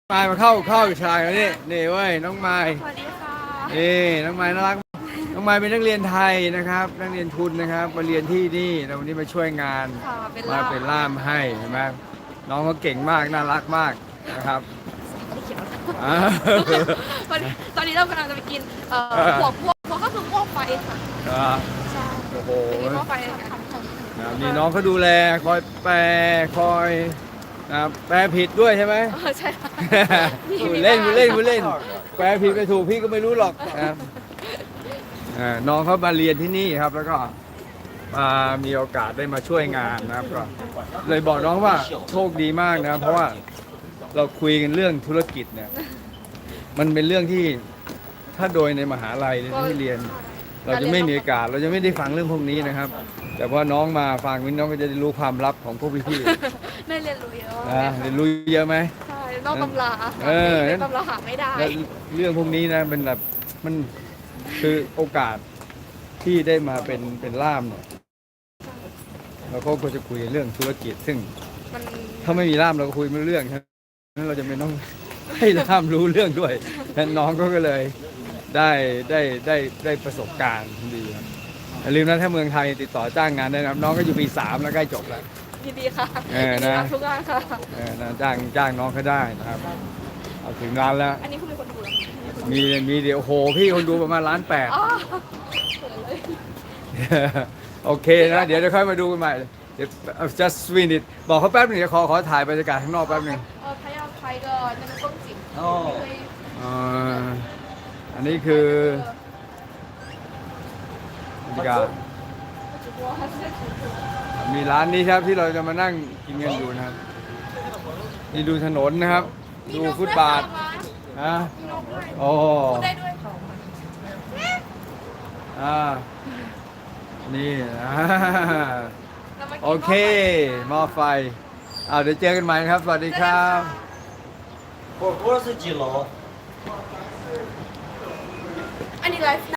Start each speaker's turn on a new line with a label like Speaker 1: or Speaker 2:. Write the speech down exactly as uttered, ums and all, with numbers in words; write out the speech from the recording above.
Speaker 1: มายมาเข้าเข้าชายแล้วนี่นี่เว้ยน้องไม้
Speaker 2: สวัสดีค่ะ
Speaker 1: นี่น้องไม้น่ารักน้องไม้เป็นนักเรียนไทยนะครับนักเรียนทุนนะครับมาเรียนที่นี่แล้ววันนี้มาช่วยงาน
Speaker 2: ค่ะเป็น
Speaker 1: มา
Speaker 2: ล่าม
Speaker 1: เป็นล่ามให้ใช่ไหมน้องเขาเก่งมากน่ารักมากนะครับ
Speaker 2: ไม่เขียว
Speaker 1: อ่า
Speaker 2: วันนี้ตอนนี้เรากำลังจะไปกินเอ่อ
Speaker 1: เออ
Speaker 2: หัวพวกพวกก็คือพวกไฟค่ะ
Speaker 1: อ่า
Speaker 2: ใช่
Speaker 1: โอ้โห
Speaker 2: ไปกินพวกไฟกัน
Speaker 1: นะมีน้องเขาดูแลคอยแปลคอยนะแปลผิดด้วยใช่ไหม
Speaker 2: เออใช่ค่ะ
Speaker 1: พูดเล่นพูดเล่นพูดเล่นแปลผิดไปถูกพี่ก็ไม่รู้หรอกนะครับอ่าน้องเขามาเรียนที่นี่ครับ แล้วก็มามีโอกาสได้มาช่วยงานนะครับก็เลยบอกน้องว่าโชคดีมากนะเพราะว่าเราคุยกันเรื่องธุรกิจเนี่ยมันเป็นเรื่องที่ถ้าโดยในมหาลัยที่เรียน เราจะไม่มีโอกาสเราจะไม่ได้ฟังเรื่องพวกนี้นะครับ แต่พอน้องมาฟังวินน้องก็จะได้รู้ความลับของพวกพี่
Speaker 2: ได้เรียนรู้เยอะ
Speaker 1: ๆนะเรียนรู้เยอะไหม
Speaker 2: ใช่นอกตำรา
Speaker 1: เออ
Speaker 2: ในตำราหาไม่ได้
Speaker 1: และเรื่องพวกนี้นะเป็นแบบมันคือโอกาสที่ได้มาเป็นเป็นล่ามเนี่ยเราก็ควรจะคุยเรื่องธุรกิจ ซึ่ง
Speaker 2: มัน
Speaker 1: ถ้าไม่มีล่ามเราก็คุยไม่รู้เรื่องครับนั้นเราจะไม่ต้องให้ล่ามรู้เรื่องด้วยนั้นน้องก็เลยได้ได้ได้ได้ประสบการณ์ดีครับอย่าลืมนะถ้าเมืองไทยติดต่อจ้างงานได้นะครับน้องก็อยู่ปีสามแล้วใกล้จบแล้ว
Speaker 2: ยินดีค่ะ
Speaker 1: เออ
Speaker 2: ยินดี
Speaker 1: นะ
Speaker 2: รับทุกงานค่ะ
Speaker 1: เออนะจ้างจ้างน้องเขาได้นะครับเอาถึงงานแล้ว
Speaker 2: อันนี้คุณเป็นคนดูเหรอ
Speaker 1: มีมีเดี๋ยวโอ้โหพี่คนดูประมาณล้านแปด
Speaker 2: อ๋อเขินเลย
Speaker 1: โอเคนะเดี๋ยวจะค่อยมาดูกันใหม่เดี๋ยว just win it บอกเขาแป๊บหนึงเดี๋ยวขอขอถ่ายบรรยากาศข้างนอกแป๊บหนึง
Speaker 2: เออพยายามไทยก็จะเป็นต้นจิ๋ม
Speaker 1: อ๋อ อ่าอันนี้คือบรรยากาศมีร้านนี้ครับที่เราจะมานั่งกินกันอยู่นะครับนี่ดูถนนนะครับ ดูฟุตบาทนะโอ้
Speaker 2: พูดได้ด้วย
Speaker 1: อ่านี่นะ
Speaker 2: เรามากิน
Speaker 1: โอเคหม้อไฟเอาเดี๋ยวเจอกันใหม่นะครับ สวัสดีครับ
Speaker 3: 火锅是几楼？
Speaker 2: อันนี้ไลฟ์